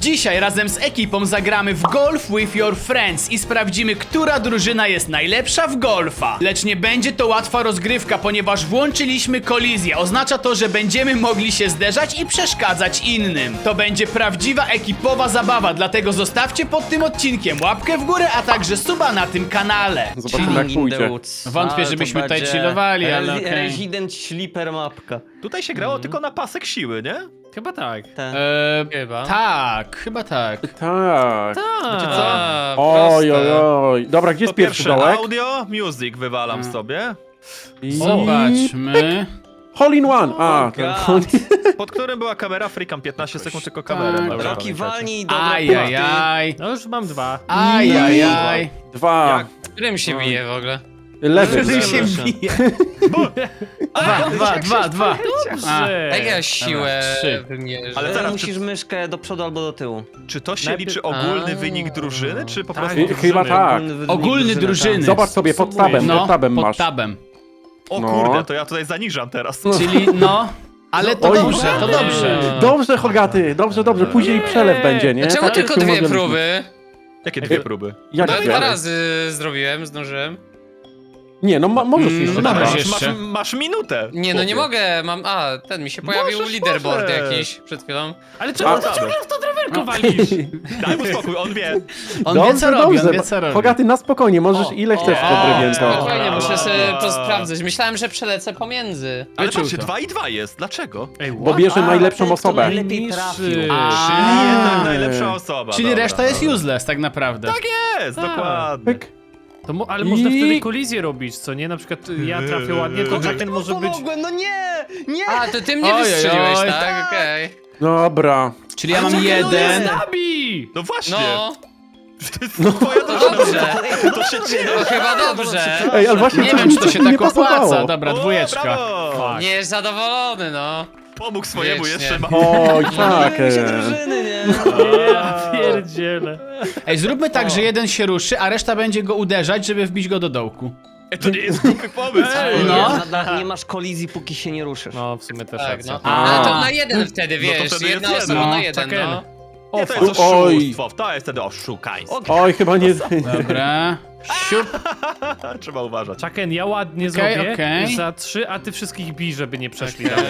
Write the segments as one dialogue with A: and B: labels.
A: Dzisiaj razem z ekipą zagramy w Golf with your friends i sprawdzimy, która drużyna jest najlepsza w golfa. Lecz nie będzie to łatwa rozgrywka, ponieważ włączyliśmy kolizję. Oznacza to, że będziemy mogli się zderzać i przeszkadzać innym. To będzie prawdziwa ekipowa zabawa, dlatego zostawcie pod tym odcinkiem łapkę w górę, a także suba na tym kanale.
B: Zobaczymy jak pójdzie.
A: Wątpię, żebyśmy tutaj chillowali, ale okej.
C: Resident Sleeper mapka.
D: Tutaj się grało tylko na pasek siły, nie?
E: Chyba tak.
A: Chyba. Tak, chyba tak.
B: Tak.
D: Wiecie co?
B: Oj, oj, oj. Dobra, gdzie jest
D: Po
B: pierwszy
D: pierwsze
B: dołek?
D: audio, music wywalam sobie.
B: I...
A: Zobaczmy.
B: Hole in one. A,
C: God.
B: hole in...
D: Pod którym była kamera, frikam 15 sekund tylko kamerę.
A: Tak.
D: Dobra,
C: Roki
D: pamiętacie.
C: walnij do
A: Ajajaj.
E: No już mam 2.
A: Ajajaj.
B: Dwa.
F: Którym się bije w ogóle?
B: Lewy.
A: Który się bije. Dwa.
F: Jak ja siłę
A: trzy.
F: wymierzę?
D: Ale
C: Ale
D: teraz,
C: musisz myszkę do przodu albo do tyłu.
D: Czy to się
E: Najpierw-
D: liczy ogólny wynik drużyny, czy po
E: Tak.
D: prostu drużyny?
B: Chyba tak.
A: Ogólny drużyny.
B: Zobacz sobie pod tabem,
A: No,
B: pod tabem
A: pod
B: masz.
A: tabem.
D: O
B: No.
D: kurde, to ja tutaj zaniżam teraz.
A: Czyli no, ale to
B: Oj.
A: dobrze, to dobrze.
B: Dobrze, Hogaty, dobrze. Później przelew będzie, nie?
F: A czemu
B: Tak jak
F: tylko
B: się
F: dwie
B: umawialiśmy.
F: próby?
D: Jakie dwie próby?
B: Jak
F: No
B: dwie?
F: 2 razy zrobiłem, zdążyłem.
B: Nie, no możesz jeszcze.
A: no
B: tak.
A: dobra.
D: Masz,
A: jeszcze.
D: masz minutę.
F: Nie, no nie
D: chłopie.
F: mogę, mam... A, ten mi się pojawił
D: Możesz,
F: leaderboard
D: możesz.
F: jakiś przed chwilą.
E: Ale czemu
B: A-
E: ty ciągle w to drewerko walisz?
D: Daj mu spokój, on wie.
A: On wie co robi, on wie co robi.
B: Hogaty, na spokojnie, możesz ile chcesz w to drewienko.
F: Spokojnie, muszę
D: Brawo.
F: sobie to sprawdzać. Myślałem, że przelecę pomiędzy.
D: Ale
A: Wyczuł
D: patrzcie,
A: to.
D: 2 i 2 jest. Dlaczego?
E: Ej,
B: Bo bierze najlepszą osobę.
C: Najlepiej
E: Niż-
C: trafił.
D: Czyli
A: A.
D: jednak najlepsza osoba.
A: Czyli
D: dobra,
A: reszta jest
D: dobra.
A: useless tak naprawdę.
D: Tak jest,
E: Tak.
D: dokładnie.
B: Pyk.
E: Ale można
B: I-
E: wtedy kolizję robić, co nie? Na przykład ja trafię ładnie, to Chucken może być...
C: Pomogłem, no nie! Nie!
F: A, to ty mnie
A: Oj,
F: wystrzeliłeś,
A: oj,
F: tak? Okej.
B: Dobra.
A: Czyli ja mam jeden.
E: Zabij!
D: No właśnie.
F: No,
D: To jest twoja drużyna.
F: dobrze.
D: To się dzieje.
F: To chyba dobrze.
B: Ej, ale właśnie
A: Nie
B: coś
A: wiem,
B: mi
A: czy to
B: coś
A: się
B: mi nie
A: tak opłaca.
B: pasowało.
A: Dobra,
D: O,
A: dwójeczka.
D: brawo.
E: Fuck.
F: Nie jest zadowolony, no.
D: Pomógł swojemu
F: Wiecznie.
D: jeszcze.
B: Oj, tak.
C: Myliły się drużyny, nie?
E: Ja pierdzielę.
A: Ej, zróbmy tak, że jeden się ruszy, a reszta będzie go uderzać, żeby wbić go do dołku.
D: To nie jest głupi pomysł.
E: Ej,
A: No.
C: Nie masz kolizji, póki się nie ruszysz.
E: No, w sumie też
F: Tak,
E: racja.
F: no.
A: A.
F: Ale to na jeden wtedy,
D: No to
F: wiesz,
D: wtedy
F: jedna
D: jest
F: osoba
D: jeden.
F: na
A: No,
F: jeden,
E: Chucken.
F: no.
D: Nie, to jest
B: Oj.
D: oszustwo. To jest wtedy oszukaństwo.
B: Oj, chyba nie...
A: Dobra. Siup.
D: Trzeba uważać.
E: Chucken, ja ładnie
A: Okej,
E: zrobię
A: okej.
E: za 3, a ty wszystkich bij, żeby nie przeszli dalej.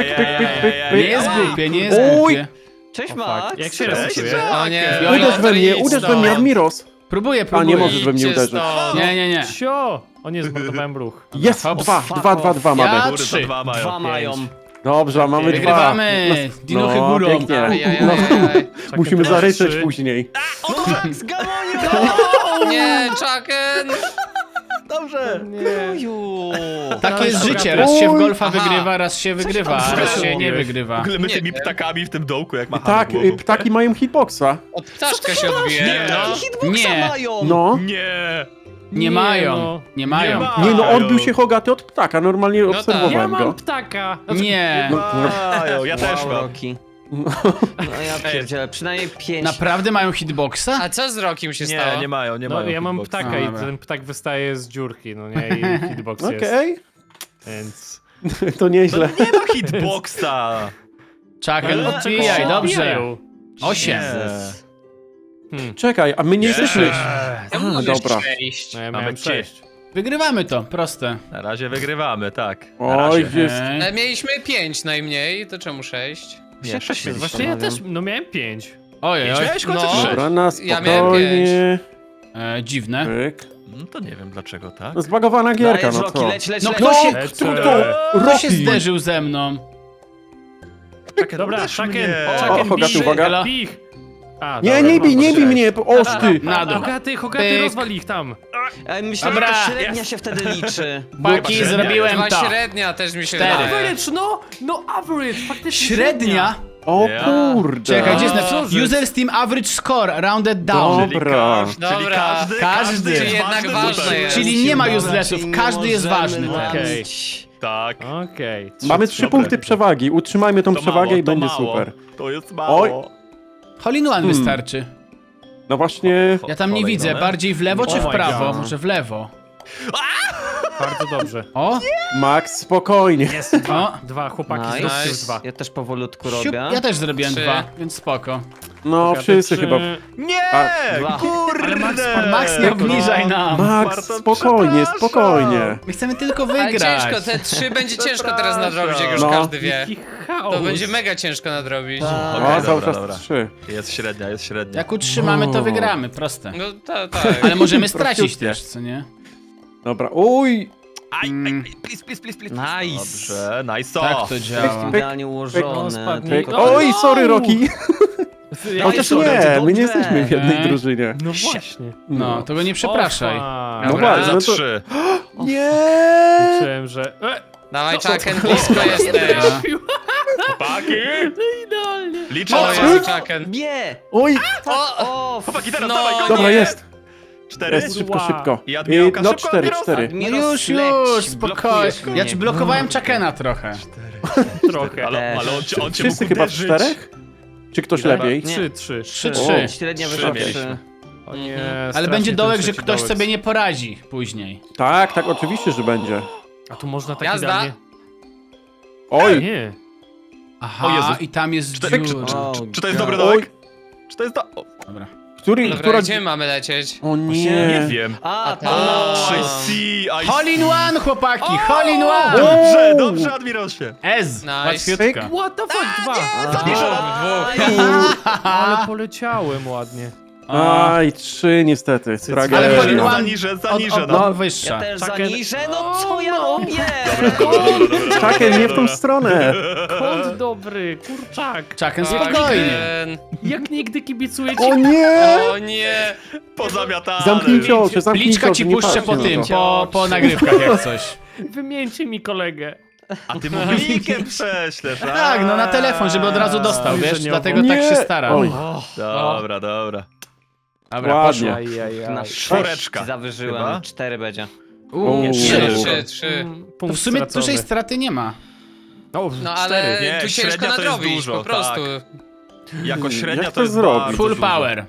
A: Nie jest głupie, nie jest
B: Oj.
A: głupie.
C: Cześć, Max!
E: Jak się
D: Cześć,
E: resetuje?
D: Jack.
F: O nie.
B: Uderz we mnie, uderz we mnie, Admiros.
A: Próbuję.
B: A nie możesz we mnie
F: Idźcie
B: uderzyć.
F: stąd.
A: Nie.
E: Cio! O nie, zmordowałem brzuch.
B: Jest,
A: Hop.
B: dwa mamy.
A: Ja-
D: Góry to
A: 3.
D: 2 mają.
C: Dwa mają.
B: Dobrze, mamy
A: Wygrywamy.
B: dwa.
A: Dinuchy
B: No,
A: górą.
B: pięknie. No,
F: Ajajajaj.
B: musimy
E: teraz
B: zaryczeć
E: 3.
B: później.
C: Max, Gamonio!
F: Nie, Chucken!
D: Dobrze.
C: Oju!
A: Takie jest
E: Dobra.
A: życie, raz się w
B: Oj.
A: golfa
F: Aha.
A: wygrywa, raz się wygrywa, a raz się nie
D: W
A: wygrywa.
D: ogóle my
F: Nie
D: tymi
F: wiem.
D: ptakami w tym dołku, jak machamy
B: Tak,
D: głową.
B: ptaki mają hitboxa.
F: Od ptaszka się odbije, no.
C: Hitboxa
A: Nie.
C: mają!
B: No.
D: Nie.
A: Nie mają, nie mają.
B: Nie no, odbił się Hogaty od ptaka, normalnie
F: tak.
B: obserwowałem
E: Ja mam
B: go.
E: ptaka!
A: Nie.
D: Mają, ja też
C: Wow,
D: mam.
C: Roki. No ja pierdzielę, przynajmniej 5.
A: Naprawdę mają hitboxa?
F: A co z Rokiem się stało?
D: Nie, nie mają, nie
E: No
D: mają.
E: ja mam
D: hitboxa.
E: ptaka i
A: Dobra.
E: ten ptak wystaje z dziurki, no nie? I hitbox jest.
B: Okej,
E: Więc...
B: to nieźle.
D: Nie ma hitboxa.
A: Chucken,
E: Od czego
A: odbijaj,
E: się
A: dobrze.
E: odbijają?
A: 8.
B: Czekaj, a my nie jesteśmy...
F: Ja
B: A,
F: mówię
B: dobra.
F: 6.
E: No ja
D: Mamy
E: miałem 6.
A: Wygrywamy to, proste.
D: Na razie wygrywamy, tak. Na
B: Oj,
D: razie.
B: jest...
A: Okej.
F: Ale mieliśmy 5 najmniej, to czemu 6?
D: Nie, 6 mieliśmy.
E: Właśnie ja też, no miałem 5.
A: Ojej,
D: Miałeś w końcu
F: No.
D: 3.
B: Dobra, na
F: Ja miałem
B: spokojnie.
A: dziwne.
B: Pyk.
D: No to nie wiem dlaczego, tak?
B: No, zbagowana gierka,
C: Dajesz,
B: no
C: Roki,
B: co?
C: leć, leć,
A: No
C: leć.
A: kto się,
E: Lecę.
A: kto się
B: Rocky.
A: zderzył ze mną?
E: Dobra,
D: uderz
E: Chucken,
D: mnie.
E: Chucken,
B: Hogaty,
E: bij,
B: uwaga.
E: bij ich. A,
B: Nie,
E: dobra,
B: nie bij
E: mam
B: mnie, oż ty!
A: Na dół.
E: Hogaty,
A: Pyk.
E: rozwal ich tam.
C: Myślę,
A: Dobra.
C: że to średnia się wtedy liczy.
A: Paki,
D: średnia
A: zrobiłem
F: Dwa
A: to.
F: średnia też mi się
A: Cztery.
F: wydaje.
E: Average, no average, faktycznie
A: Średnia?
B: O
D: Ja.
B: kurde.
A: Czekaj, gdzie jest
E: co
A: napisane?
E: żeś?
A: User's team average score, rounded down.
B: Dobra.
D: Czyli
F: Dobra.
A: Każdy.
D: jest
F: Czyli jednak
D: ważny
F: ważne
D: tutaj.
F: jest.
A: Czyli nie ma
C: Dobra,
A: uselessów,
C: czyli
A: każdy jest
C: możemy
A: ważny teraz.
E: Okej.
C: robić.
D: Tak.
E: Okej.
B: Mamy 3
D: Dobra.
B: punkty przewagi. Utrzymajmy tą
D: To
B: przewagę
D: mało,
B: i
D: to
B: będzie
D: mało.
B: super.
D: To jest mało.
B: Oj.
A: Hole in one wystarczy.
B: No właśnie...
A: Ja tam nie
D: Kolejne.
A: widzę, bardziej w lewo czy
E: Oh
A: w
E: my
A: prawo?
E: God.
A: Może w lewo.
E: Bardzo dobrze.
A: O,
B: Max, spokojnie.
E: Jest
A: o.
E: dwa, chłopaki
C: Nice.
E: zróbcie już 2.
C: Ja też powolutku
A: Siup,
C: robię.
A: ja też zrobiłem
F: 3.
A: 2, więc spoko.
B: No, wszyscy chyba.
D: Nie!
B: A,
D: Kurde!
A: Ale Max, nie obniżaj nam.
B: Max,
D: Bartosz,
B: spokojnie,
D: przepraszam.
B: spokojnie.
A: My chcemy tylko
F: Ale
A: wygrać.
F: ciężko, te 3 będzie ciężko teraz nadrobić, jak już
B: No.
F: każdy wie.
E: Jaki chaos.
F: To będzie mega ciężko nadrobić.
C: Tak.
D: Okej,
B: O, cały
D: dobra,
B: czas
D: dobra.
B: 3.
D: Jest średnia, jest średnia.
A: Jak utrzymamy, to wygramy, proste.
F: No tak.
A: Ale możemy stracić
B: Prościutkie.
A: też, co nie?
B: Dobra, uj!
D: Please.
C: Nice.
D: Dobrze, nice.
A: Tak to
C: Jest
A: działa.
C: idealnie
E: No,
C: ułożone.
E: spadnij.
C: tylko-
E: No,
B: Oj, sorry, Rocky!
E: Ja
B: Chociaż
C: sorry,
B: nie,
C: to
B: my nie
C: dobrze.
B: jesteśmy w jednej
A: Nie.
B: drużynie.
E: No właśnie.
A: No, to go nie przepraszaj.
E: O,
B: No
F: Dobra.
B: właśnie,
D: Za
B: no to...
D: 3.
B: Nie!
E: Liczyłem, że...
F: Dawaj, Chucken, blisko jesteś.
D: Chłopaki!
E: Idealnie.
D: Liczę
F: O,
D: na
F: jest
D: was.
F: Chucken.
C: Nie!
B: Oj!
F: O,
D: Chłopaki, teraz
F: No,
D: dawaj, go.
B: Dobra,
F: nie.
B: jest!
D: 4.
B: Jest, szybko,
E: Wow.
B: szybko.
D: I Admirałka,
B: No
D: szybko,
B: 4,
D: Admiros.
B: 4.
A: No
C: Admiros,
A: już,
C: leć,
A: spokojnie.
C: blokujesz
A: Ja
C: mnie.
A: ci blokowałem Chuckena trochę.
E: Trochę.
D: Ale on cię
B: Wszyscy
D: mógł
B: chyba w
D: uderzyć.
B: 4? Czy ktoś
D: Ile?
B: lepiej?
C: Nie.
E: 3.
A: 3-3.
C: Średnia
D: Trzy
C: wyszła
D: mieliśmy.
C: 3.
E: O nie,
A: Ale
E: strasznie
A: będzie
E: ten
A: dołek, że
E: trzeci
A: ktoś
E: dołek.
A: sobie nie poradzi później.
B: Tak, tak, oczywiście, że będzie.
E: A tu można tak
F: Jazda.
E: idealnie...
B: Oj!
E: Nie.
A: Aha,
D: O Jezu.
A: i tam jest
D: Cztery-
A: dziura.
D: Czy to jest dobry
B: Oj.
D: dołek? Czy to jest do... O,
A: Dobra.
B: Który,
F: Dobra,
B: która...
F: gdzie mamy lecieć?
B: O
D: nie
B: nie!
D: wiem.
C: A,
F: to-
C: to...
D: I see, I
A: Hole in one, chłopaki! Hole in one!
D: Dobrze, dobrze, Admirosie.
A: Ez!
F: Nice.
A: Łatwiutka.
E: What the fuck, 2.
F: Dwóch.
E: Ale poleciałem ładnie.
B: Aj, 3 niestety.
A: Ale
B: Tragedia.
A: hole in one
D: Zaniżę, zaniżę.
A: od
D: No.
A: wyższa.
C: Ja też
E: Chucken-
C: zaniżę, no co ja robię?
B: Czakiem, nie w tą stronę!
E: Kąt dobry, kurczak.
A: Chucken, spokojnie.
F: Chucken.
E: Jak nigdy kibicuję ci.
B: O nie!
F: O nie.
D: Pozamiatane.
B: Zamknijcie oczy, zamknijcie
A: Pliczka
B: oczy,
A: ci
B: nie
A: puszczę
B: patrzcie
A: po
B: na
A: tym,
B: to.
A: po nagrywkach jak coś.
E: Wymieńcie mi kolegę.
D: A ty mu linkiem prześlesz, a?
A: Tak, no na telefon, żeby od razu dostał, wiesz?
E: Zbliżeniowo.
A: Dlatego tak się staram.
B: Oj.
D: Dobra, dobra.
A: Dobra,
B: Ładnie.
A: poszło.
E: Ajajaj.
C: Na
D: Czwóreczka.
C: 6 zawyżyłem,
D: Chyba?
C: 4 będzie.
B: Nie,
A: Trzy.
B: trzy.
F: 3.
A: To w sumie dużej straty nie ma.
E: No,
F: No ale
D: Nie,
F: tu ciężko
D: średnia to jest
F: nadrobić,
D: dużo,
F: po prostu.
D: Jako średnia
B: Jak
D: to
B: to
D: jest
B: zrobić?
D: bardzo
A: Full
D: dużo.
A: power.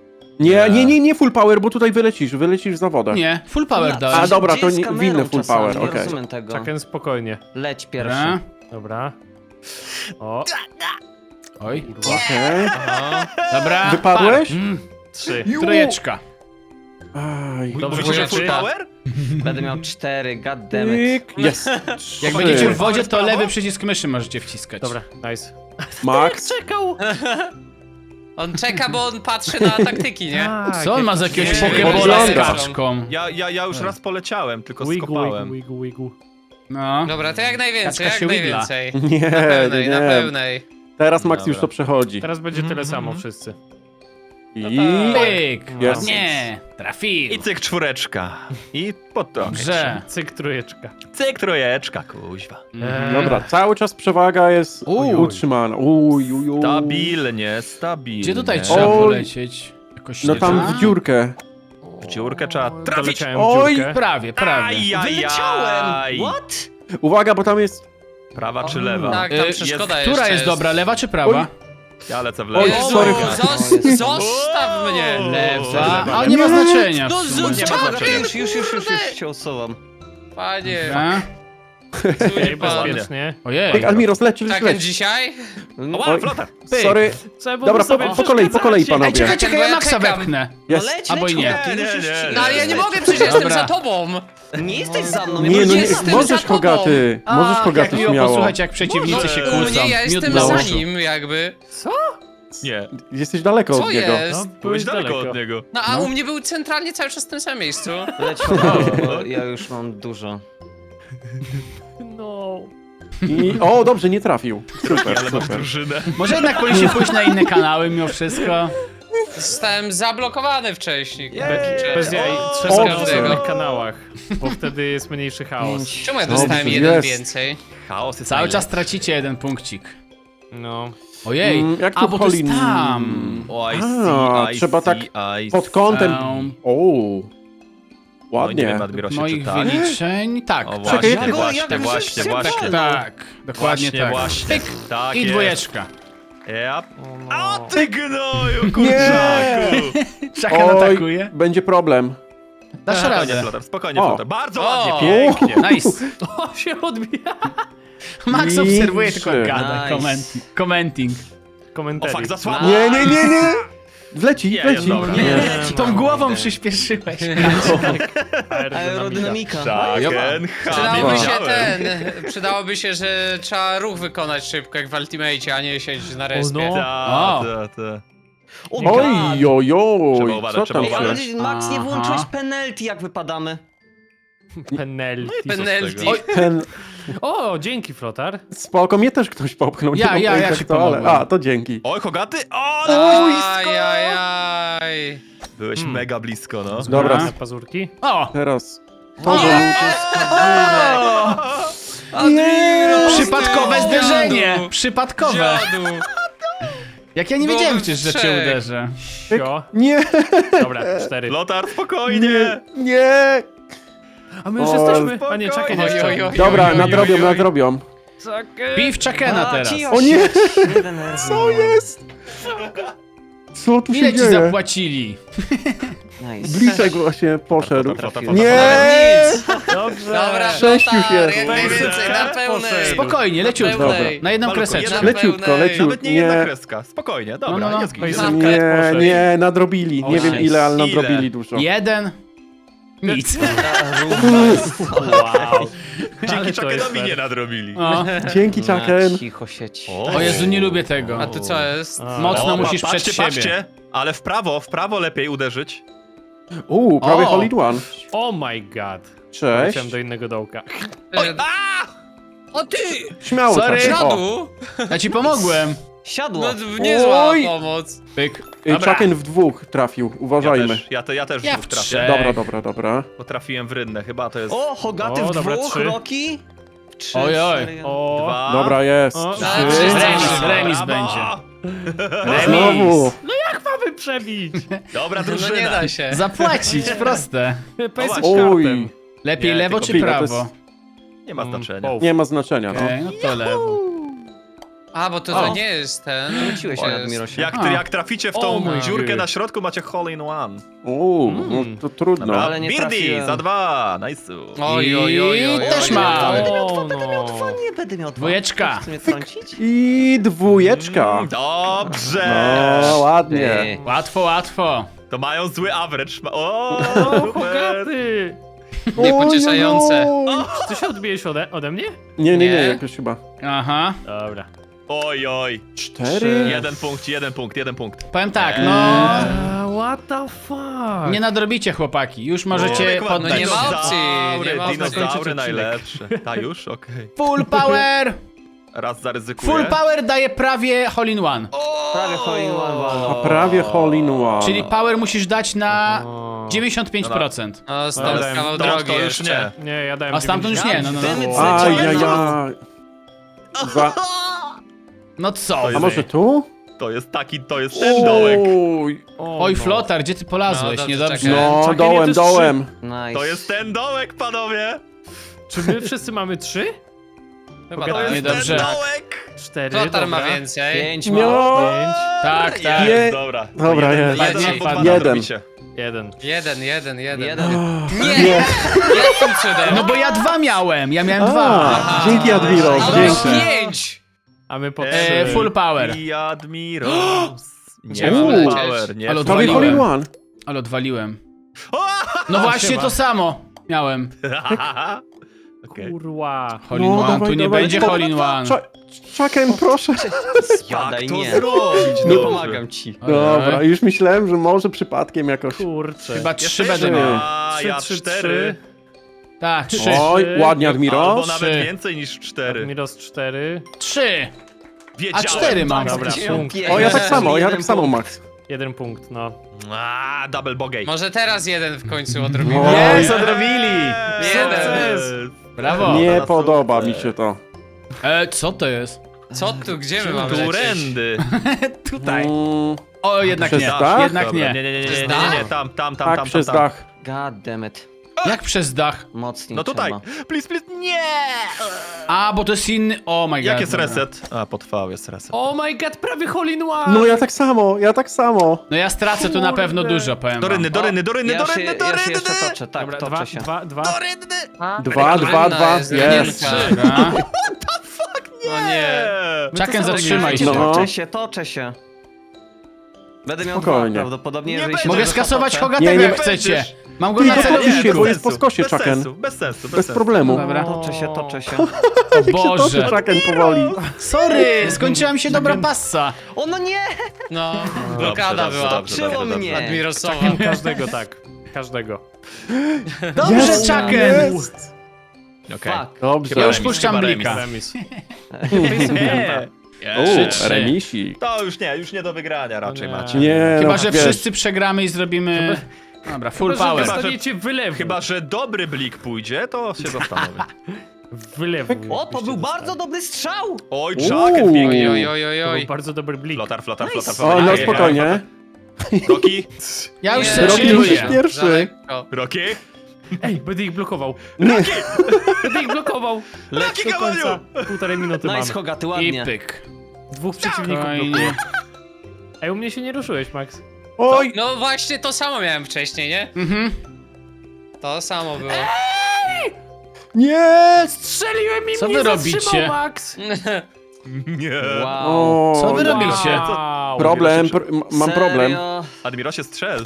B: Nie full power, bo tutaj wylecisz w zawodach.
A: Nie, full power
C: A,
A: dałeś.
B: A dobra,
C: Gdzie
B: to
C: jest
B: nie,
C: kamerą
B: winny full
C: czasami?
B: power,
C: Nie
B: okej.
C: rozumiem tego.
E: Chucken, spokojnie.
C: Leć
A: Dobra.
C: pierwszy.
E: Dobra. O,
A: Oj.
B: Okej.
A: Dobra.
B: Wypadłeś?
E: 3.
A: Trójeczka.
B: Aj.
E: Dobrze,
D: Mówisz, że full
E: Trzy.
D: power?
C: Będę miał 4, goddammit.
B: Tyk. Jest.
A: Jak
B: Trzy.
A: będziecie w wodzie, to
D: Prawo?
A: lewy przycisk myszy możecie wciskać.
E: Dobra, nice.
B: Max.
E: Czekał!
F: On czeka, bo on patrzy na taktyki, nie?
E: Tak,
A: Co on ma za jakiegoś
D: Nie,
A: pokebola z
B: wygląda.
A: kaczką?
D: Ja już raz poleciałem, tylko
E: Wiggle,
D: skopałem.
E: wiggle.
A: No.
F: Dobra, to jak najwięcej,
A: Kaczka się
F: jak
A: wigla.
F: najwięcej.
B: Nie,
F: Na pełnej, na
B: nie.
F: pełnej.
B: Teraz Max
D: Dobra.
B: już to przechodzi.
E: Teraz będzie tyle samo wszyscy.
B: I...
A: Pyk.
B: Jest.
A: Nie. Trafił.
D: I cyk czwóreczka. I pod to.
A: Dobrze.
E: Cyk, trójeczka.
D: Cyk trójeczka, kuźwa.
B: Dobra, cały czas przewaga jest utrzymana. Uj.
D: Stabilnie.
A: Gdzie tutaj trzeba
B: Oj.
A: polecieć? Jakoś
B: No
A: nie
B: tam
A: da?
B: w dziurkę.
D: W dziurkę trzeba trafić.
E: Doleciałem w
B: Oj.
E: dziurkę.
A: Prawie.
C: Wyleciałem! What?
B: Uwaga, bo tam jest...
D: Prawa czy lewa?
F: Tak, tam przeszkoda jeszcze
A: Która jest dobra, lewa czy prawa?
D: Ja lecę w lewo.
B: Oj,
F: O,
B: sorry.
F: Zostaw mnie!
A: Lewa.
D: Lewa.
A: Ale nie ma znaczenia.
F: No
A: w sumie.
D: Nie ma znaczenia.
C: Już się usuwam.
F: Panie,
A: Dobra.
F: cudzi pan.
E: Bezpiecznie.
A: Ojej.
B: Tyk, Admiros, leć.
F: Chucken dzisiaj?
D: Ła, flota.
B: Sorry.
E: Trzeba było
B: Dobra,
E: sobie
B: po kolei,
E: przeszkadzać.
B: panowie.
A: Czekaj, czekaj,
F: Bo
A: ja
F: ja
A: Maxa
F: czekam.
A: wepchnę.
B: Jest.
C: Leć,
A: Albo
C: leć,
A: nie.
C: Hogaty, już
D: Nie,
C: już
D: nie,
C: ci-
D: nie.
F: No ale ja nie mogę, przecież jestem
A: Dobra.
F: za tobą.
C: Nie jesteś za mną,
B: Nie, no nie,
F: jestem za
B: możesz
F: tobą.
B: Hogaty. Możesz
A: Jak
B: Hogaty
A: miło
B: śmiało.
A: posłuchać, jak przeciwnicy się
F: U
A: kłócą.
F: mnie ja
A: Miód
F: jestem
A: dla
F: za
A: uszu.
F: nim, jakby.
D: Nie,
B: Jesteś daleko
F: Co
B: od niego.
F: jest?
D: byłeś daleko od niego.
F: No a u mnie był centralnie cały czas w tym samym miejscu.
C: Leć, Hogaty, bo ja już mam dużo.
E: No.
B: O, dobrze, nie trafił. Super,
D: Ale mam
B: super.
D: drużynę.
A: Może jednak powinniśmy pójść na inne kanały mimo wszystko.
F: Zostałem zablokowany wcześniej.
E: Bez jaj,
D: O,
E: trzeba
B: o,
E: na
F: każdego.
E: różnych kanałach, bo wtedy jest mniejszy chaos.
F: Czemu ja dostałem
B: Dobrze,
F: jeden
B: jest.
F: więcej?
D: Chaos jest
A: Cały czas
D: najlepszy.
A: tracicie jeden punkcik.
E: No.
A: Ojej.
B: Jak
A: A,
B: tu
A: bo to jest
B: Colin-
A: tam.
D: O, I
B: A,
D: see,
B: trzeba tak pod kątem. O,
D: Nie
B: ładnie.
D: wiem, Admirosie,
A: Moich
D: czy tak?
A: wyliczeń. Tak.
D: O,
B: Czekaj,
D: właśnie,
B: jak-
D: właśnie.
A: Tak, tak. Dokładnie
D: Właśnie,
A: tak.
D: właśnie.
A: Pyk.
D: Tak
A: I
D: jest.
A: dwójeczka.
D: Yep.
E: O,
D: O ty gnoju, kurczaku!
A: Chucken atakuje.
B: będzie problem.
A: Dasz
D: Spokojnie,
A: radę.
D: Flotar, spokojnie,
B: O.
D: Flotar. Bardzo
F: O.
D: ładnie, pięknie.
A: Nice.
E: O, się odbija.
A: Max
B: Liczy.
A: obserwuje, tylko gada.
C: Nice.
A: Commenting.
D: O,
E: komentarzy.
D: fuck, za słabo.
B: Nie. Wleci,
D: Nie,
B: wleci.
D: jest dobra.
C: Nie,
A: Tą głową przyspieszyłeś.
C: Aerodynamika.
D: Chaken,
F: Przydałoby się
D: wiedziałem.
F: przydałoby się, że trzeba ruch wykonać szybko jak w Ultimate, a nie siedzieć na respie.
E: no.
A: O.
D: Ta.
C: O,
B: Oj, oj, oj.
D: Trzeba uważać,
B: Co
D: trzeba
B: tam
C: Ej, ale
B: się...
C: Max, nie
A: Aha.
C: włączyłeś penalty, jak wypadamy.
E: Penalty.
F: Penalty.
A: Oj,
B: Ten...
E: O, dzięki, Flotar.
B: Spoko, mnie też ktoś popchnął.
A: Ja
B: Nie mam pojęcia
A: ci
B: kto, ale...
A: pomogłem.
B: A, to dzięki.
D: Oj, Hogaty! O, ale blisko!
F: Ajajaj.
D: Byłeś mega blisko, no.
B: Dobra,
E: Na pazurki.
A: O!
B: teraz...
A: O!
B: Nie!
A: Przypadkowe zderzenie! Przypadkowe!
F: Dziadu.
A: Jak ja nie
F: Byłoby
A: wiedziałem przecież, że cię
F: trzech.
A: uderzę.
E: Sio.
B: Nie!
E: Dobra, 4.
D: Lotar, spokojnie!
B: Nie!
E: A my już
B: O,
E: jesteśmy. A nie, czekaj,
F: Oj,
E: jeszcze.
F: oj, oj.
B: Dobra, nadrobią.
A: Bij w Chakena teraz.
B: O nie!
C: Nie denerwuj.
B: Co jest? Co tu się
A: Ile ci
B: dzieje?
A: zapłacili?
C: Nice.
B: Bliczek właśnie poszedł.
C: Trafiłem.
B: Nie!
E: Dobrze.
F: Dobra,
B: Sześć już
F: Flotar,
B: jest.
F: jak najwięcej, na pełnej.
A: Spokojnie, leciutko.
F: pełnej.
A: Na jedną
D: Malutko,
A: kreseczkę.
D: jeden-
B: Leciutko,
F: pełnej.
B: leciutko.
D: Nawet nie jedna
B: Nie,
D: kreska. Spokojnie, dobra,
A: No, no, no.
D: jest git.
E: Oj,
B: nie, nie, nadrobili. Nie wiem
E: Nice.
B: ile, ale
D: Ile?
B: nadrobili dużo.
A: Jeden. Nic.
E: Wow.
D: Dzięki
E: Ale to jest
D: Chakenowi
E: fair.
D: nie nadrobili.
A: O.
B: Dzięki, Chaken.
C: Cicho sieć.
A: O Jezu, nie lubię tego.
F: A tu co jest?
A: Mocno
D: O,
A: musisz
D: patrzcie,
A: przed siebie.
D: patrzcie, ale w prawo lepiej uderzyć.
B: Prawie
A: O.
B: hole in one.
E: Oh my god.
B: Cześć.
E: Leciałem do innego dołka.
F: O ty!
B: Śmiało,
A: Sorry.
B: Chaken. O.
F: Dziadu!
A: Ja ci pomogłem.
C: Siadło.
F: No niezła
B: Oj.
F: pomoc.
A: Pyk.
B: Chaken w dwóch trafił, uważajmy.
D: Ja też
A: Ja
D: dwóch
A: w
D: trafię.
A: trzech.
B: Dobra.
D: Bo trafiłem w rynnę, chyba to jest
C: O, Hogaty
E: O,
C: w
E: dobra,
C: dwóch,
E: 3.
C: Roki. 3,
A: Oj, oj.
C: 4,
E: O.
D: 2.
B: Dobra, jest.
E: O,
B: Trzy.
A: Remis będzie.
B: Znowu.
E: Jak mamy przebić?
D: Dobra
F: No nie
D: drużyna.
F: da się.
A: Zapłacić, proste.
E: Pesy
B: Oj.
A: Lepiej
D: Nie,
A: lewo
D: tylko
A: czy
B: chwila, to
A: prawo?
D: Nie ma znaczenia.
B: Nie ma znaczenia, no.
A: Okej, no to lewo.
F: A, bo to
A: O.
F: nie jest ten.
C: Wróciłeś
F: To
C: się
F: jest-
C: Admirosie.
D: Jak traficie w
E: O
D: tą
E: mój
D: dziurkę
E: Gud.
D: na środku, macie hole in one.
B: No to trudno.
D: Dobra,
C: Ale nie
D: Birdie
C: trafiłem.
D: za 2, nice.
F: Oj, oj, oj, oj,
A: Też
F: oj,
A: mam.
F: oj.
E: O,
C: Będę miał dwa, nie będę miał dwa.
A: Dwójeczka.
C: Chcesz mnie trącić?
B: I dwójeczka.
D: Dobrze.
B: No, ładnie.
C: Ty.
A: Łatwo.
D: To mają zły average. O,
E: O,
D: super.
E: Hogaty!
F: Niepocieszające.
B: Oj,
E: Czy ty się odbijesz ode mnie?
B: Nie,
F: Nie.
B: jakoś chyba.
A: Aha.
E: Dobra.
D: Oj.
B: 4.
D: Jeden punkt.
A: Powiem tak, no...
E: What the fuck?
A: Nie nadrobicie, chłopaki. Już możecie
D: No,
A: poddać
F: nie ma
A: się.
F: opcji, nie ma opcji.
D: Dinozaury najlepsze. Ta już? Okej.
A: Full power!
D: Raz zaryzykuję.
A: Full power daje prawie hole in one.
C: Prawie hole in one
B: A
C: walnął.
B: prawie hole in one.
A: Czyli power musisz dać na
E: O.
A: 95%.
F: O, stąd
E: Dobra,
F: kawał
D: Stąd
F: drogi
D: to już
F: jeszcze.
D: nie.
E: Nie, ja dałem
A: A stamtąd już nie, no.
B: Ajajaj.
A: No co?
B: A może tu?
D: To jest ten dołek.
B: Oj.
A: Oj, Flotar, gdzie ty polazłeś?
F: No,
A: Niedobrze.
F: czekaj.
B: No,
E: Czekaj,
B: dołem,
E: nie, to jest
B: dołem.
C: Nice.
D: To jest ten dołek, panowie.
E: Czy my wszyscy mamy 3?
F: Chyba
E: To
F: tak.
D: To jest
A: Niedobrze.
D: ten dołek.
E: 4,
F: Flotar ma
E: dobra.
F: więcej.
C: 5
B: No.
C: ma.
E: 5,
A: Tak, tak.
D: Jest, dobra.
B: Dobra,
D: To
B: jest.
D: Jeden
A: Padnie,
D: albo dwa
A: padnie.
D: nadrobicie.
E: 1.
F: Jeden.
C: Jeden.
F: Nie! Jakim cudem?
A: No bo ja 2 miałem. Ja miałem 2.
B: A, dzięki Admiros,
F: Ale
B: dzięki.
F: 5!
E: A my po
A: E,
E: 3.
A: full power.
D: I Admiros.
F: Gdzie
D: Nie,
B: mam
D: full
F: lecieć?
D: power, nie.
A: Ale
D: full
B: Prawie hole
A: odwaliłem.
B: in one.
A: Ale odwaliłem.
D: O!
A: No właśnie
E: siema.
A: to samo miałem.
D: Okej.
E: Kurwa.
A: Hole in one, tu nie będzie hole in one.
B: Chaken, proszę.
C: Spadaj,
D: Jak to
C: nie.
D: zrobić?
C: Nie
D: dobrze?
C: pomagam ci.
B: Dobra, już myślałem, że może przypadkiem jakoś.
E: Kurczę.
A: Chyba 3
D: Jeszcze
A: będę
D: jeden.
A: miał.
D: A, ja 4.
A: Tak, 3.
B: Oj, ładnie
D: Albo
B: Admiros.
D: nawet
A: Trzy.
D: więcej niż 4.
E: Miros 4.
A: 3.
D: Wiedziałem.
A: A 4 mam.
E: Dobra, punkt.
B: O, ja tak samo,
C: Jeden punkt.
B: Max.
E: 1 punkt, no.
D: A, double bogey.
F: Może teraz jeden w końcu odrobimy.
B: O,
A: Jest, odrobili.
F: Jeden.
A: Brawo.
B: Nie
D: teraz
B: podoba
D: są
B: mi
D: te-
B: się to.
A: Co to jest?
F: Co tu, gdzie my mamy lecieć?
D: Turendy.
A: Tutaj.
B: Mm,
A: O, jednak
B: Przez
A: nie.
B: dach?
A: Jednak
D: Dobra,
A: nie.
D: nie,
F: Przez
D: nie,
F: dach?
D: tam,
B: tak, przez dach.
C: God damn it.
A: Jak przez dach?
C: Mocniej
D: No tutaj.
C: trzeba.
D: Please, nie!
A: A, bo to jest inny... Oh my god.
D: Jak jest
A: dobra.
D: reset? A, potrwał jest reset.
E: Oh my god, prawie hole in one!
B: No ja tak samo.
A: No ja stracę tu na pewno
E: Kurde.
A: dużo, powiem
D: Do
A: wam.
D: rynny, do rynny, do rynny,
C: Ja
D: do
C: się,
D: rynny, do
C: ja się
D: rynny!
C: jeszcze toczę, tak,
E: Dobra,
C: toczę się.
E: 2.
D: Do rynny!
B: Dwa,
F: Rynna
B: dwa.
F: jest
B: Jest.
A: Dobra.
F: O nie.
A: Chucken, zatrzymaj się.
B: No.
C: Toczę się. Będę miał
B: Spokojnie.
C: dwa prawdopodobnie,
D: Nie
C: jeżeli
D: będzie.
C: się
A: Mogę
C: dobrze
A: skasować
C: potoczę.
A: Hogatego,
B: Nie,
A: jak
B: nie
A: chcecie. Mam go
B: Ty,
A: na
B: to popisz się,
A: celowniku.
B: bo jest po skosie,
D: bez
B: Chucken.
D: sensu, bez sensu,
B: Bez
D: sensu.
B: problemu.
A: Dobra.
C: Toczę się.
A: O Boże.
B: Chucken powoli.
A: Sorry, skończyła mi się dobra passa.
C: O no nie!
F: No, blokada
D: dobrze,
F: była.
D: dobrze.
C: Przyło mnie!
F: Admirosowa.
E: Każdego tak. Każdego.
A: Dobrze,
B: Jest,
A: Chucken.
B: jest.
D: Okej.
C: Fuck.
B: Dobrze.
A: Ja już
D: remis,
A: puszczam
D: chyba
A: blika.
E: Remis.
D: Nie.
A: Trzy.
B: Remisik.
D: To już nie do wygrania raczej
E: Nie.
D: macie.
B: Nie,
A: Chyba,
B: no,
A: że
B: wiesz.
A: wszyscy przegramy i zrobimy... Dobra, full
E: Chyba, że
A: power.
E: dostaniecie wylewu.
D: Chyba, że dobry blik pójdzie, to się zastanowię.
E: Wylewu.
C: O, to był bardzo dobry strzał!
D: Oj,
B: Uuu.
D: Chucken
F: Oj,
D: biegnie.
F: oj, oj, oj,
E: To
F: oj.
E: był bardzo dobry blik.
D: Flotar.
B: O, no spokojnie.
D: Rocky?
A: Ja już
F: Nie.
A: się
B: Rocky,
A: chilluję.
B: musisz pierwszy.
F: Za lekko.
D: Rocky?
E: Ej, będę ich blokował.
B: Nie.
E: Będę ich blokował.
D: Rocky
E: Do końca. Półtorej minuty
C: Nice,
E: mamy.
C: Hogaty,
A: I
C: ładnie.
A: pyk.
E: Dwóch przeciwników
A: Spokojnie.
E: blokuje. Ej, u mnie się nie ruszyłeś, Max.
B: Oj,
F: No właśnie to samo miałem wcześniej, nie?
A: Mhm.
F: To samo było.
B: nie.
E: Strzeliłem i
A: Co
E: mnie
A: wy robicie?
E: zatrzymał, Max.
D: Nie.
C: Wow.
B: O,
A: Co wy
B: nie.
A: robicie?
E: Wow.
B: Problem, mam problem.
C: Serio?
D: Admirosie, strzel.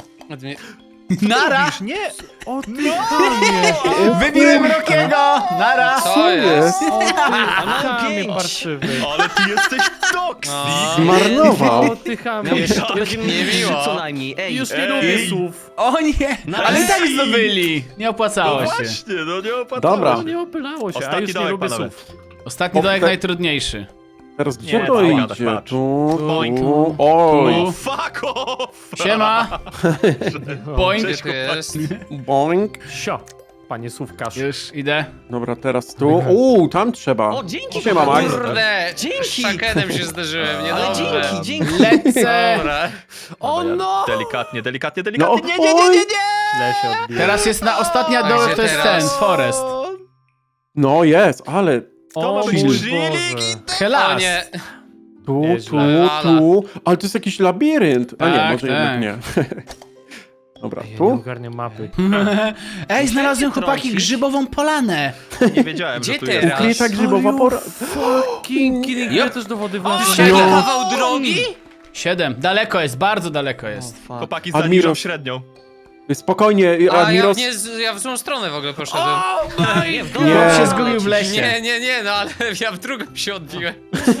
A: Nara!
D: Nie.
E: O ty chamie.
A: Wybiłem Rockiego! Nara!
F: Co jest?
E: O ty
C: mam
E: chamie
C: 5.
E: parszywy.
D: Ale ty jesteś toksik.
F: No.
B: Zmarnował.
E: O ty chamie.
F: Niemiło.
C: Co najmniej, ej.
E: Już nie
D: Ej.
E: lubię słów.
A: O nie! Ale i tak zdobyli! Nie
D: No
A: opłacało się.
D: właśnie, no nie opłacało.
B: Dobra.
E: No nie opylało się, a
D: Ostatni
E: już nie
D: dołek,
E: lubię
D: panowie.
E: słów.
A: Ostatni dołek najtrudniejszy.
B: Teraz gdzie
D: Nie,
B: to
D: tak
B: idzie?
D: gadasz, patrz.
B: Tu.
A: Tu.
B: Oj.
A: Tu.
D: Fuck off!
A: Siema! Boing.
F: Gdzie tu jest?
B: Boing.
E: Sio, panie słówkarz.
A: Już idę.
B: Dobra, teraz tu. Tam trzeba.
C: O, dzięki,
B: Siema, Max.
F: Kurde!
C: Dzięki.
F: Z Chuckenem się zderzyłem, nie
C: Ale
F: dobrze.
C: dzięki.
A: Lecę!
F: Dobra.
E: O no!
D: Delikatnie.
B: No,
D: Nie.
E: Źle się odbiło.
A: Teraz jest ostatnia
F: A
A: dołek,
F: gdzie
A: to jest
F: teraz?
A: ten, Forest.
B: No jest, ale
D: To ma
E: O
D: być
E: mój
D: chilling.
E: Boże.
A: Helas!
F: O nie.
B: tu,
E: Nieźle.
B: tu. Ale to jest jakiś labirynt. A nie,
A: Tak,
B: może
A: tak.
B: jednak nie. Dobra,
E: Ja nie
B: tu?
E: ogarniam mapy.
A: Ej, znalazłem
C: Musicie
A: chłopaki
C: trącić.
A: grzybową polanę.
D: Nie wiedziałem,
F: Gdzie
D: że tu
F: ty?
D: jest.
B: Ukryta grzybowa pora...
E: King, ja też do wody wlazłem.
F: Siedem
B: No.
F: kawał drogi?
A: 7. Daleko jest, bardzo daleko jest.
D: Chłopaki
B: Admiros.
D: zaniżą średnią.
B: Spokojnie,
F: A ja,
B: Admiros...
F: ja w złą stronę w ogóle poszedłem.
C: Nie, w
B: Nie.
A: Chłop się zgubił w lesie.
F: Nie, no ale ja w drugą się odbiłem.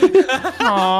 A: O,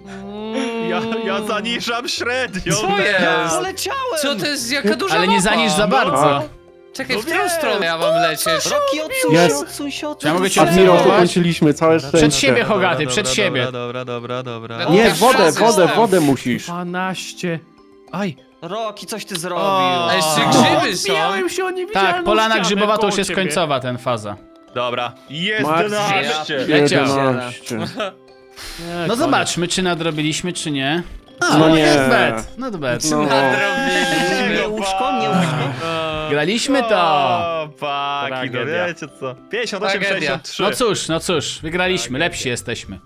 D: Ja zaniżam średnią.
F: Co
D: teraz.
F: jest?
C: Poleciałem!
F: Co to jest, jaka duża
A: ale nie
F: mapa?
A: zaniż za bardzo.
F: Czekaj,
D: No
F: w którą
D: wiem.
F: stronę ja mam lecieć?
C: Rocky, odsuń
B: Jest.
C: się, odsuń się,
A: Ja mogę
C: odsuń
A: cię
C: się.
B: Admiros,
A: obserwować?
B: ukończyliśmy całe szczęście.
A: Przed siebie, Hogaty, przed siebie.
D: Dobra.
F: O,
B: Nie,
F: tak
B: wodę,
F: szans jest.
B: wodę musisz.
E: 12.
D: Aj.
C: Rocky, coś ty zrobił.
F: A jeszcze grzyby są.
E: Odbijałem się o niewidzialną
A: Tak, polana
E: ścianę
A: grzybowa to już
E: koło
A: jest
E: ciebie.
A: końcowa ten faza.
D: Dobra.
B: Max,
D: 11.
A: Leciał.
B: 11.
E: Nie,
A: No
E: koniec.
A: zobaczmy, czy nadrobiliśmy, czy nie. A,
B: No nie.
A: Not bad, not bad.
B: No.
C: Nie łóżko, nie łóżko.
A: Graliśmy to.
D: O, paki, no
E: Tragedia.
D: wiecie co. 58,
F: Tragedia.
D: 63.
A: No cóż, wygraliśmy, lepsi jesteśmy.